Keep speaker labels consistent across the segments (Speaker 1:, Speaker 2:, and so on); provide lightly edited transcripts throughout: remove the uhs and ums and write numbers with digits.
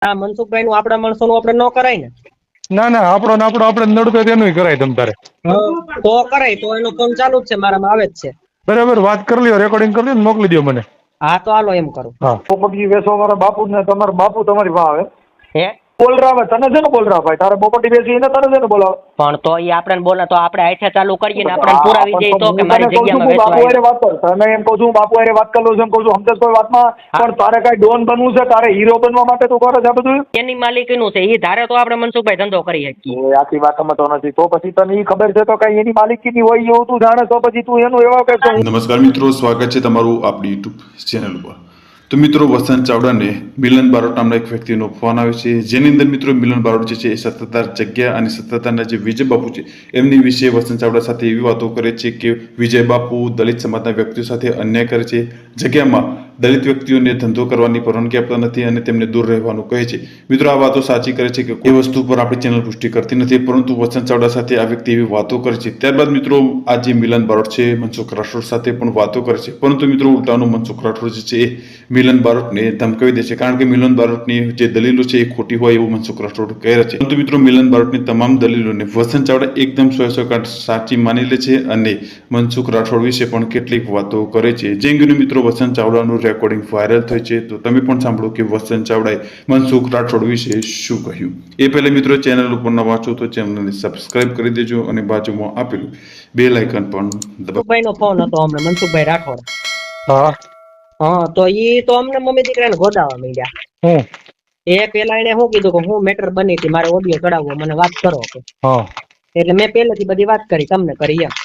Speaker 1: આ મનસુખભાઈ નું આપડા માણસો નું આપડે ન કરાય ને?
Speaker 2: ના ના, આપણો ને આપણો આપણે નડતો તેનું કરાય તમ તારે.
Speaker 1: તો કરાય તો એનો ફોન ચાલુ જ છે, મારામાં આવે જ છે.
Speaker 2: બરાબર, વાત કરી લ્યો, રેકોર્ડિંગ કરી લ્યો ને મોકલી દો મને.
Speaker 1: હા તો હાલો એમ કરું.
Speaker 2: હા, પોપટજી વેસો મારા બાપુ ને તમારા બાપુ તમારી પાસે આવે.
Speaker 1: હે
Speaker 2: બોલ રહ્યા ભાઈ, તને છે ને બોલ રહ્યા ભાઈ, તારે પોપટી બેસી ને તને છે ને બોલાવે.
Speaker 1: પણ તો એ આપણે બોલે તો આપણે આઠે ચાલુ કરીએ ને આપણે પુરાવી દઈએ તો કે મારી જગ્યામાં
Speaker 2: બાપુ હારે વાત કર, તને એમ કહું છું બાપુ હારે વાત કરી લઉં છું, એમ કહું છું સમજે કોઈ વાતમાં. પણ તારે કઈ ડોન બનવું છે, તારે હીરો બનવા માટે તું કરે છે આ બધું?
Speaker 1: એની માલિકીનું છે, એ ધારે તો આપણે મનસુખભાઈ ધંધો કરી શકીએ.
Speaker 2: આખી વાત સમજતો નથી તો પછી તને ઈ ખબર છે તો કઈ એની માલિકીની હોય એવું તું જાણે તો પછી તું એનું એવા કે.
Speaker 3: નમસ્કાર મિત્રો, સ્વાગત છે તમારું આપણી યુટ્યુબ ચેનલ પર. તો મિત્રો, વસંત ચાવડાને મિલન બારોટ નામના એક વ્યક્તિનો ફોન આવે છે, જેની અંદર મિત્રો મિલન બારોટ જે છે એ સત્તાધાર જગ્યા અને સત્તાધારના જે વિજય બાપુ છે એમની વિશે વસંત ચાવડા સાથે એવી વાતો કરે છે કે વિજય બાપુ દલિત સમાજના વ્યક્તિઓ સાથે અન્યાય કરે છે, જગ્યામાં દલિત વ્યક્તિઓને ધંધો કરવાની પરવાનગી આપતા નથી અને તેમને દૂર રહેવાનું કહે છે. મિત્રો, આ વાતો સાચી કરે છે કે એ વસ્તુ પર આપણી ચેનલ પુષ્ટિ કરતી નથી, પરંતુ વસંત ચાવડા સાથે આ વ્યક્તિ એવી વાતો કરે છે. ત્યારબાદ મિત્રો, આ જે મિલન બારોટ છે મનસુખ રાઠોડ સાથે પણ વાતો કરે છે, પરંતુ મિત્રો ઉલટાનું મનસુખ રાઠોડ જે છે એ મિલન બારોટને ધમકાવી દે છે, કારણ કે મિલન બારોટની જે દલીલો છે એ ખોટી હોય એવું મનસુખ રાઠોડ કહે છે. પરંતુ મિત્રો, મિલન બારોટની તમામ દલીલોને વસંત ચાવડા એકદમ 100% સાચી માની લે છે અને મનસુખ રાઠોડ વિશે પણ કેટલીક વાતો કરે છે. જે અંગેનું મિત્રો વસંત ચાવડાનું રેકોર્ડિંગ વાયરલ થઈ છે, તો તમે પણ સાંભળો કે વસંત ચાવડાએ મનસુખ રાઠોડ વિશે શું કહ્યું. એ પહેલા મિત્રો, ચેનલ ઉપર ન વાંચો તો ચેનલને સબસ્ક્રાઇબ કરી દેજો અને બાજુમાં આપેલું બેલ આઇકન પણ દબાવો.
Speaker 1: મનસુખભાઈ નો ફોન હતો અમને, મનસુખભાઈ રાઠોડ.
Speaker 2: હા
Speaker 1: હા, તો ઈ તો અમને મમ્મી દીકરાને ગોદાવા માંડ્યા. એ પેલા એને શું કીધું કે હું મેટર બની હતી, મારે ઓડિયો ચડાવવો, મને વાત કરો કે. એટલે મેં પહેલેથી બધી વાત કરી, તમને કરી એમ.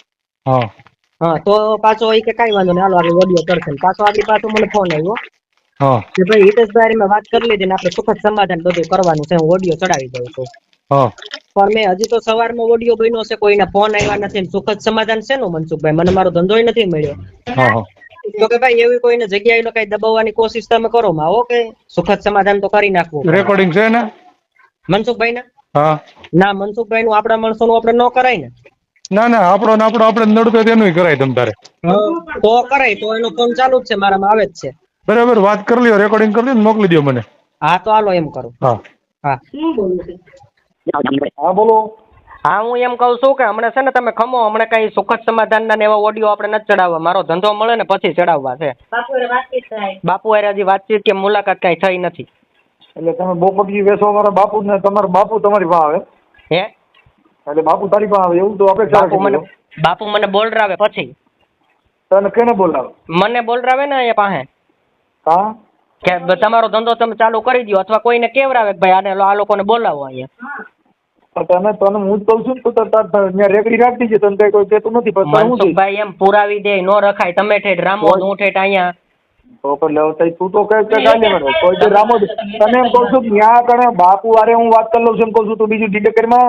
Speaker 1: હા, તો પાછો એ કે કઈ વાંધો નહીં, હાલો આગળ ઓડિયો કરશે. પાછો આગળ પાછો મને ફોન આવ્યો કે ભાઈ હિતેશભાઈ મેં વાત કરી લીધી ને આપણે સુખદ સમાધાન બધું કરવાનું છે, હું ઓડિયો ચડાવી દઉં છું. પણ મેં હજી તો સવારમાં ઓડિયો બન્યો છે, કોઈના ફોન આવ્યા નથી. સુખદ સમાધાન છે નું મનસુખભાઈ, મને મારો ધંધો નથી મળ્યો. તો કે ભાઈ એવી કોઈને જગ્યાએ કઈ દબાવવાની કોશિશ તમે કરો માં, ઓકે સુખદ સમાધાન તો કરી નાખવું.
Speaker 2: રેકોર્ડિંગ છે ને
Speaker 1: મનસુખભાઈ ના?
Speaker 2: હા
Speaker 1: ના, મનસુખભાઈ નું આપડા માણસો નું આપણે ન કરાય ને?
Speaker 2: ના ના, આપણો ને આપણો આપણે નડતો તેનું કરાય તમ તારે.
Speaker 1: તો કરાય તો એનો ફોન ચાલુ જ છે, મારામાં આવે જ છે.
Speaker 2: બરાબર, વાત કરી લ્યો, રેકોર્ડિંગ કરી લ્યો ને મોકલી દો મને.
Speaker 1: હા તો હાલો એમ કરું.
Speaker 2: હા
Speaker 1: હા
Speaker 2: હા બોલો.
Speaker 1: હા, હું એમ કઉ છું કે હમણાં છે ને તમે ખમો, હમણાં કઈ સુખદ સમાધાન ના એવા ઓડિયો આપણે નથી ચડાવવા, મારો ધંધો મળે ને પછી ચડાવવા છે. બાપુ હારે હજી વાતચીત કે મુલાકાત કઈ થઈ નથી.
Speaker 2: એટલે તમે પોપટજી વેસો મારા બાપુ ને તમારા બાપુ તમારી પાસે આવે.
Speaker 1: હે
Speaker 2: એટલે બાપુ તારી પાસે આવે એવું તો આપણે
Speaker 1: બાપુ મને બોલરાવે પછી.
Speaker 2: તને કેને બોલાવે?
Speaker 1: મને બોલરાવે ને અહીંયા પાસે.
Speaker 2: હા,
Speaker 1: કે તમારો ધંધો તમે ચાલુ કરી દો, અથવા કોઈને કેવરાવે કે ભાઈ આને આ લોકોને બોલાવો અહીંયા.
Speaker 2: તને તને હું જ કહું છું તો ત્યાં રેકડી રાખતી છે, તને કઈ કોઈ કહેતું નથી.
Speaker 1: મનસુખભાઈ એમ પુરાવી દે, નો રખાય. તમે ઠેઠ રામોદ, હું ઠેઠ અહીંયા.
Speaker 2: તો પણ તું તો કઈ કોઈ રામોદ, તને એમ કહું છું ત્યાં કણે બાપુ વારે હું વાત કરી લઉં છું, એમ કહું છું તું બીજું ડિટેકરમાં.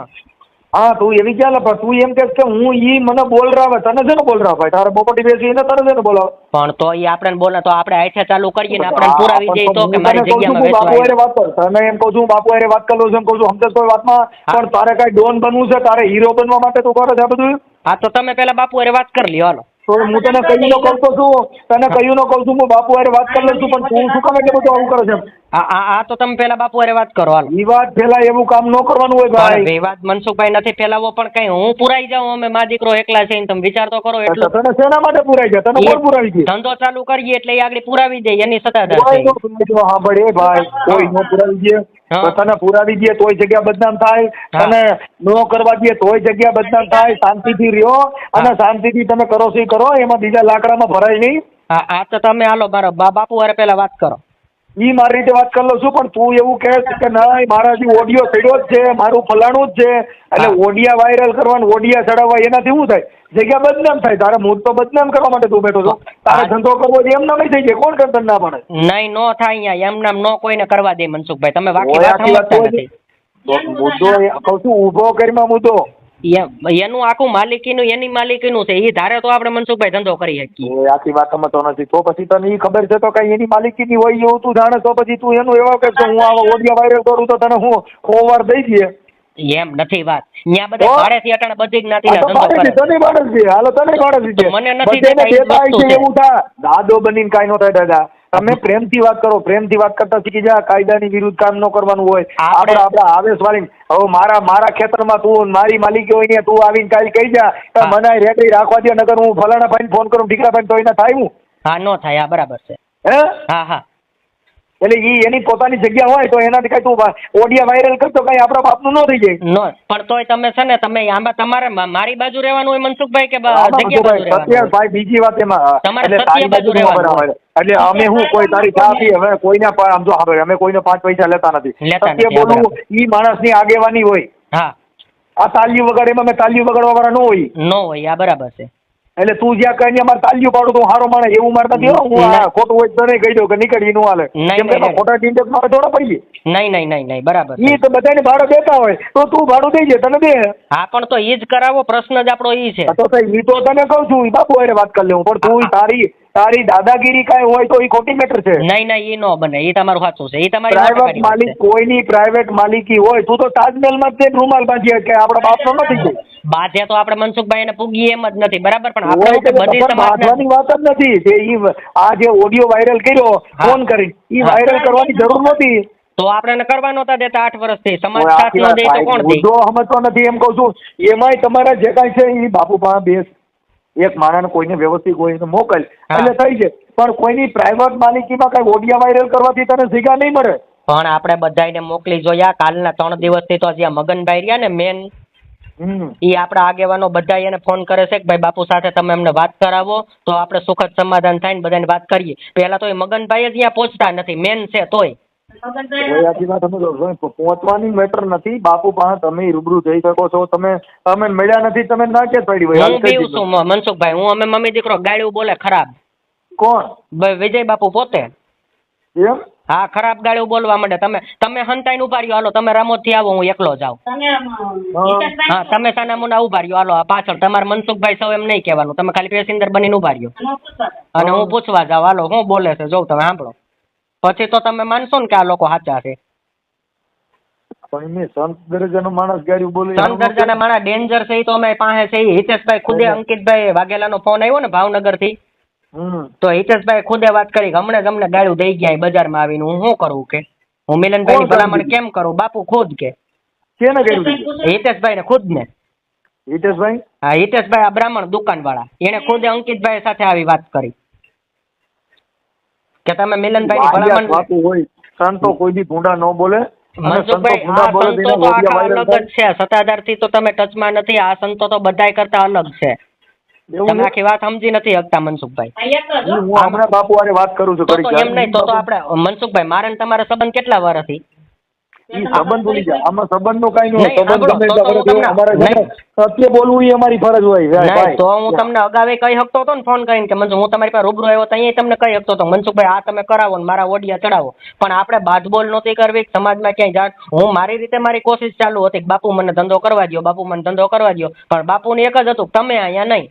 Speaker 2: હા, તું એવી ક્યાં લપા, તું એમ કે હું ઈ મને બોલ રાવે, તને છે ને બોલ રાવ ભાઈ, તારે પોપટી બેસી ને તને છે ને બોલાવ. પણ તો ઈ આપણે બોલે તો આપણે આઠે ચાલુ કરીએ ને આપણે પુરાવી દઈએ તો કે મારી જગ્યામાં બાપુ હારે વાત કર. તને એમ કહું છું બાપુ હારે વાત કરી લઉં છું, એમ કહું છું સમજે કોઈ વાતમાં. પણ તારે કઈ ડોન બનવું છે, તારે હીરો બનવા માટે તું કરે છે આ બધું?
Speaker 1: હા, તો તમે પેલા બાપુ હારે વાત કરી લ્યો. હાલો
Speaker 2: તો હું તને કહ્યું ન કહું છું, તને કહ્યું ન કહું છું, હું બાપુ હારે વાત કરી લઉં છું, પણ તું શું કામ એટલે બધું આવું કરે છે?
Speaker 1: હા, તો તમે પેલા બાપુ હારે વાત કરો. હાલો,
Speaker 2: ઈ વાત પેલા એવું કામ ન કરવાનું હોય ભાઈ.
Speaker 1: વાત મનસુખભાઈ નથી ફેલાવો, પણ કઈ હું પુરાઈ જાઉં, અમે મા દીકરો એકલા છે, તમે વિચાર તો કરો. એટલું
Speaker 2: તને શેના માટે પુરાઈ જાય? તને કોણ પુરાવી દે?
Speaker 1: ધંધો ચાલુ કરીએ એટલે એ આગળ પુરાવી દે, એની સત્તાધાર છે.
Speaker 2: હા ભાઈ, ભાઈ કોઈ નો પુરાવી દે તો તને પુરાવી દે તોય જગ્યા બદનામ થાય, તને નો કરવા દે તોય જગ્યા બદનામ થાય. શાંતિથી રહ્યો અને શાંતિથી તમે કરો છો કરો, એમાં બીજા લાકડામાં ભરાય નહીં.
Speaker 1: હા, તો તમે હાલો મારો બાપુ હારે પેલા વાત કરો.
Speaker 2: ઈ મારી રીતે વાત કરી લઉં છું, પણ તું એવું કહે કે ના મારા હજી ઓડિયો ચડ્યો જ છે, મારું ફલાણું જ છે, એટલે ઓડિયા વાયરલ કરવાનું, ઓડિયા ચડાવવા, એનાથી શું થાય? જગ્યા બદનામ થાય. તારે મૂળ તો બદનામ કરવા માટે તું બેઠો છો. તારે ધંધો કરવો એમ નામ થઈ જાય, કોણ કરતા ના પડે?
Speaker 1: નહીં, નો થાય અહીંયા એમ નામ, નો કોઈને કરવા દે મનસુખભાઈ. તમે બાકી વાત સમજતા નથી.
Speaker 2: મુદ્દો કહું છું ઊભો કરીમાં મુદ્દો
Speaker 1: એનું આખું માલિકીનું, એની માલિકીનું છે, એ ધારે તો આપણે મનસુખભાઈ ધંધો કરી શકીએ.
Speaker 2: આખી વાત સમજતો નથી તો પછી તને ઈ ખબર છે તો કઈ એની માલિકીની હોય એવું તું જાણે તો પછી તું એનું એવા કે હું આવા ઓડિયા વાયરલ કરું તો તને હું ખોવાર દઈ દે.
Speaker 1: એમ નથી વાત. ત્યાં બધા ભાડેથી અટાણે બધી જ્ઞાતિના ધંધો કરે.
Speaker 2: તને બાળક છે, હાલો તને બાળક છે,
Speaker 1: મને નથી દેતા
Speaker 2: એવું થાય દાદો બનીને કાઈ નો થાય દાદા. તમે પ્રેમથી વાત કરો, પ્રેમથી વાત કરતા શીખી જા. કાયદાની વિરુદ્ધ કામ ન કરવાનું હોય. આપણે આવેશ વાળી હવે મારા ખેતરમાં તું મારી માલિકી હોય ને તું આવીને કાલ કહી જા મને રેકડી રાખવા દે, નકર હું ફલાણા ભાઈને ફોન કરું, ઢીકરા ભાઈ તો એને થાય હું.
Speaker 1: હા નો થાય. હા બરાબર છે.
Speaker 2: હે
Speaker 1: હા હા
Speaker 2: એટલે એની પોતાની જગ્યા હોય તો એનાથી કઈ તું ઓડિયા વાયરલ કરતો કઈ આપણા બાપનું ન થઈ જાય.
Speaker 1: નો પણ તોય તમે છે ને તમે આમાં તમારે મારી બાજુ રહેવાનું હોય મનસુખભાઈ કે જગ્યા બાજુ રહેવાનું?
Speaker 2: ભાઈ બીજી વાત એમાં
Speaker 1: તમારે
Speaker 2: એટલે તારી બાજુ રહેવાનું. એટલે અમે હું કોઈ તારી ચા પી હવે કોઈને આમ જો હવે અમે કોઈને 5 પૈસા લેતા નથી. સત્ય બોલવું ઈ માણસની આગેવાની હોય.
Speaker 1: હા
Speaker 2: આ તાલીઓ વગાડે એમાં મેં તાલીઓ વગાડવા વાળા ન હોય.
Speaker 1: નો હોય. આ બરાબર છે.
Speaker 2: એટલે તું જ્યાં કઈ અમારે તાલીઓ પાડું તો હારો માણે એવું મારે નથી. હું ખોટું હોય તો નહીં કહી દઉં કે નીકળી નું હાલે. કેમ કે ખોટા ટીંડક મારે થોડા પડીએ.
Speaker 1: નહીં બરાબર.
Speaker 2: ઈ તો બધાને ભાડું દેતા હોય તો તું ભાડું દેજે તને દે.
Speaker 1: હા પણ તો ઈ જ કરાવો. પ્રશ્ન જ આપણો ઈ છે.
Speaker 2: તો ઈ તો તને કહું છું બાપુ હારે વાત કરી લેવું. પણ તું તારી દાદાગીરી કાંઈ હોય તો ઈ ખોટી મેટર છે.
Speaker 1: નહીં ઈ નો બને. ઈ તમારું સાચું છે. ઈ તમારી
Speaker 2: પ્રાઇવેટ માલિક કોઈની પ્રાઇવેટ માલિકી હોય તું તો તાજમહેલમાં જ રૂમાલ બાંધીએ કે આપણા બાપનો નથી ગઈ.
Speaker 1: બાધે તો આપણે મનસુખભાઈ ને પૂગીએ એમ જ નથી. બરાબર. પણ આપણે બધી
Speaker 2: બાંધવાની વાત જ નથી. તે ઈ આ જે ઓડિયો વાયરલ કર્યો ફોન કરી ઈ વાયરલ કરવાની જરૂર નહોતી.
Speaker 1: તો આપણે કરવા નહોતા દેતા 8 વર્ષથી. સમાજ સાથ ન દે તો કોણ દે?
Speaker 2: જો સમજતો નથી એમ કહું છું. એમાંય તમારા જે કાંઈ છે ઈ બાપુ પાસે બેસ. એક માણસને કોઈને વ્યવસ્થિત કોઈને મોકલ એટલે થઈ જાય. પણ કોઈની પ્રાઇવેટ માલિકીમાં કઈ ઓડિયા વાયરલ કરવાથી તને સિગા નહીં મળે.
Speaker 1: પણ આપણે બધાને મોકલી જોયા. કાલના 3 દિવસથી તો જ્યાં મગનભાઈ રહ્યા ને મેન ઈ આપણા આગેવાનો બધા એને ફોન કરે છે કે ભાઈ બાપુ સાથે તમે અમને વાત કરાવો તો આપણે સુખદ સમાધાન થાય ને બધાને વાત કરીએ. પેલા તો એ મગનભાઈ જ અહીંયા પહોંચતા નથી. મેન છે તોય
Speaker 2: પહોંચવાની મેટર નથી. બાપુ પાસે તમે રૂબરૂ જઈ શકો છો. તમે મળ્યા નથી તમે ના કે પડી હોય.
Speaker 1: હું બીવું છું મનસુખભાઈ. હું અમે મમ્મી દીકરો ગાળ્યું બોલે ખરાબ.
Speaker 2: કોણ?
Speaker 1: વિજય બાપુ પોતે.
Speaker 2: એમ?
Speaker 1: હા ખરાબ ગાળ્યું બોલવા માંડે. તમે હંતાઈને ઉભા રહ્યો. હાલો તમે રામોદ થી આવો હું એકલો જાઉં. હા તમે સાનામુના ઉભા રહ્યો. હાલો પાછળ તમારે મનસુખભાઈ સૌ એમ નહીં કહેવાનું. તમે ખાલી પેસેન્જર બનીને ઉભા રહ્યો અને હું પૂછવા જાઉં. હાલો હું બોલે છે જોઉં તમે સાંભળો. પછી તો તમે માનશો ને કે આ લોકો સાચા છે.
Speaker 2: સંત દરજાનો માણસ ગાડી બોલે.
Speaker 1: સંત દરજાના માણસ ડેન્જર છે. તો અમે પાસે છે. હિતેશભાઈ ખુદે અંકિતભાઈ વાઘેલાનો ફોન આવ્યો ને ભાવનગર થી. તો હિતેશભાઈ ખુદે વાત કરી કે હમણાં જ અમને ગાળું દઈ ગયા બજારમાં આવીને. હું શું કરું કે હું મિલનભાઈ ની ભલામણ કેમ કરું? બાપુ ખુદ કે હિતેશભાઈ ને ખુદ ને.
Speaker 2: હિતેશભાઈ?
Speaker 1: હા હિતેશભાઈ આ બ્રાહ્મણ દુકાન વાળા એને ખુદે અંકિતભાઈ સાથે આવી વાત કરી કે તમે મિલનભાઈ ની ભલામણ.
Speaker 2: બાપુ હોય સંતો કોઈ દી ભૂંડા ન બોલે.
Speaker 1: મનસુખભાઈ આ સંતો તો આખા અલગ જ છે. સત્તાધાર થી તો તમે ટચમાં નથી. આ સંતો તો બધાય કરતા અલગ છે. તમે આખી વાત સમજી નથી શકતા મનસુખભાઈ.
Speaker 2: હું હમણાં બાપુ હારે વાત કરું છું.
Speaker 1: એમ નહીં તો આપણે મનસુખભાઈ મારે ને તમારા સંબંધ કેટલા વર્ષથી?
Speaker 2: સંબંધ ભૂલી જાય. આમાં સંબંધ નું કઈ નહીં. સત્ય બોલવું એ અમારી ફરજ હોય.
Speaker 1: તો હું તમને અગાવે કહી શકતો હતો ને ફોન કરીને કે મનસુખ હું તમારી પાસે રૂબરૂ આવ્યો તો અહીંયા તમને કહી શકતો હતો મનસુખભાઈ આ તમે કરાવો ને મારા ઓડિયા ચડાવો. પણ આપણે બાદબોલ નહોતી કરવી. સમાજમાં ક્યાંય જાણ. હું મારી રીતે મારી કોશિશ ચાલુ હતી કે બાપુ મને ધંધો કરવા દો, બાપુ મને ધંધો કરવા દો. પણ બાપુને એક જ હતું તમે અહીંયા નહીં.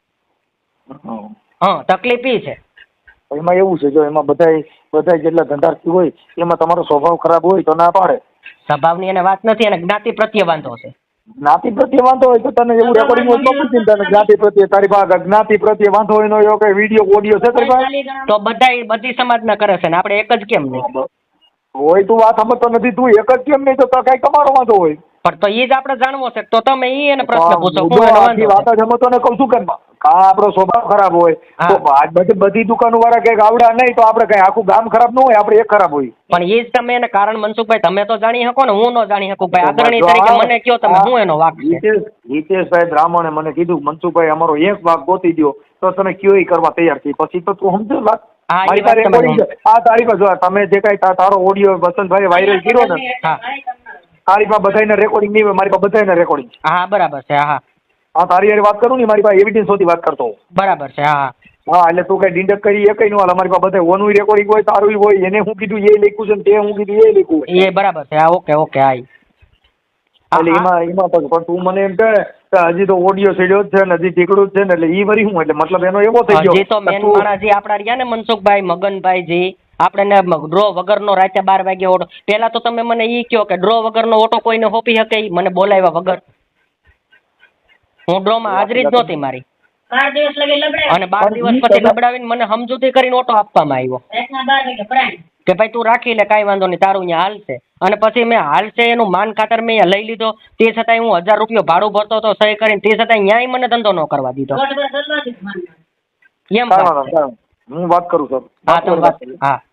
Speaker 1: હા તકલીફ ઈ છે.
Speaker 2: એમાં એવું છે જો એમાં બધા જેટલા ધંધાર્થી હોય એમાં તમારો સ્વભાવ ખરાબ હોય તો ના પાડે.
Speaker 1: સ્વભાવની એને વાત નથી. એને જ્ઞાતિ પ્રત્યે વાંધો છે.
Speaker 2: જ્ઞાતિ પ્રત્યે વાંધો હોય તો તને એવું રેકોર્ડિંગ હોય તો પૂછી તને જ્ઞાતિ પ્રત્યે તારી પાસે જ્ઞાતિ પ્રત્યે વાંધો હોય નો એવો કઈ વિડીયો ઓડિયો છે તારી પાસે?
Speaker 1: તો બધી સમાજના કરે છે ને આપણે એક જ કેમ નહીં
Speaker 2: હોય? તું વાત સમજતો નથી. તું એક જ કેમ નહીં તો કઈ તમારો વાંધો હોય.
Speaker 1: પણ તો એ જ આપણે જાણવો છે. તો તમે એને પ્રશ્ન પૂછો. વાત
Speaker 2: જ સમજતો ને કહું છું કે આપણો સ્વભાવ ખરાબ હોય તો બધી દુકાનો વાળા કઈક આવડા નહીં તો આપણે કઈ આખું ગામ ખરાબ ન હોય. આપણે એક ખરાબ હોય.
Speaker 1: પણ એ જ તમે એને કારણ મનસુખભાઈ તમે તો જાણી શકો ને. હું ન જાણી શકું. ભાઈ અગ્રણી તરીકે મને કયો તમે હું એનો વાક છે.
Speaker 2: હિતેશભાઈ બ્રાહ્મણે મને કીધું મનસુખભાઈ અમારો એક વાક ગોતી દો તો તમે કયો ઈ કરવા તૈયાર થઈ. પછી તો તું સમજો વાત. આ તારી પાસે તમે જે કઈ તારો ઓડિયો વસંતભાઈ વાયરલ કર્યો ને તારી પાસે બધાને રેકોર્ડિંગ નહીં હોય. મારી પાસે બધાને રેકોર્ડિંગ.
Speaker 1: હા બરાબર છે. હા
Speaker 2: હા તારી યાર વાત કરું ને મારી પાસે એવિડન્સ હોતી વાત કરતો.
Speaker 1: બરાબર છે. હા
Speaker 2: હા એટલે તું કઈ ડીંડક કરી એ કઈ નો હાલ. અમારી પાસે બધા ઓનું રેકોર્ડિંગ હોય તારું હોય. એને હું કીધું એ લખ્યું છે ને તે હું કીધું એ લખ્યું હોય.
Speaker 1: એ બરાબર છે. હા ઓકે હા
Speaker 2: એટલે એમાં પણ તું મને એમ કહે હજી તો ઓડિયો સીડ્યો જ છે ને હજી ટીકડું જ છે ને એટલે ઈ વરી હું એટલે મતલબ એનો એવો થઈ ગયો.
Speaker 1: હજી તો મેન માણસ જે આપડા રહ્યા ને મનસુખભાઈ મગનભાઈજી આપણે ડ્રો વગરનો રાતે 12 વાગે ઓટો. પેલા તો તમે મને ઈ કહો કે ડ્રો વગરનો ઓટો કોઈને હોપી શકે? મને બોલાવ્યા વગર હું ડ્રો માં હાજરી જ નહોતી મારી.
Speaker 4: 12 દિવસ લગી લબડાવ્યો.
Speaker 1: અને 12 દિવસ પછી લબડાવીને મને સમજૂતી કરીને ઓટો આપવામાં આવ્યો
Speaker 4: રાતના 12 વાગે પ્રાણ.
Speaker 1: કે ભાઈ તું રાખી લે, કાંઈ વાંધો નહીં, તારું અહીંયા હાલશે. અને પછી મેં હાલશે એનું માન ખાતર મેં અહીંયા લઈ લીધો, તે છતાંય હું 1000 રૂપિયા ભાડું ભરતો હતો સહી કરીને, તે છતાંય ન્યાય મને ધંધો ન કરવા દીધો.
Speaker 4: દોઢ વર્ષ દરવાજે જ માનવાનું.
Speaker 1: એમ
Speaker 2: કાંઈ વાંધો નહીં. હું વાત કરું સર.
Speaker 1: હા, તમે વાત. હા.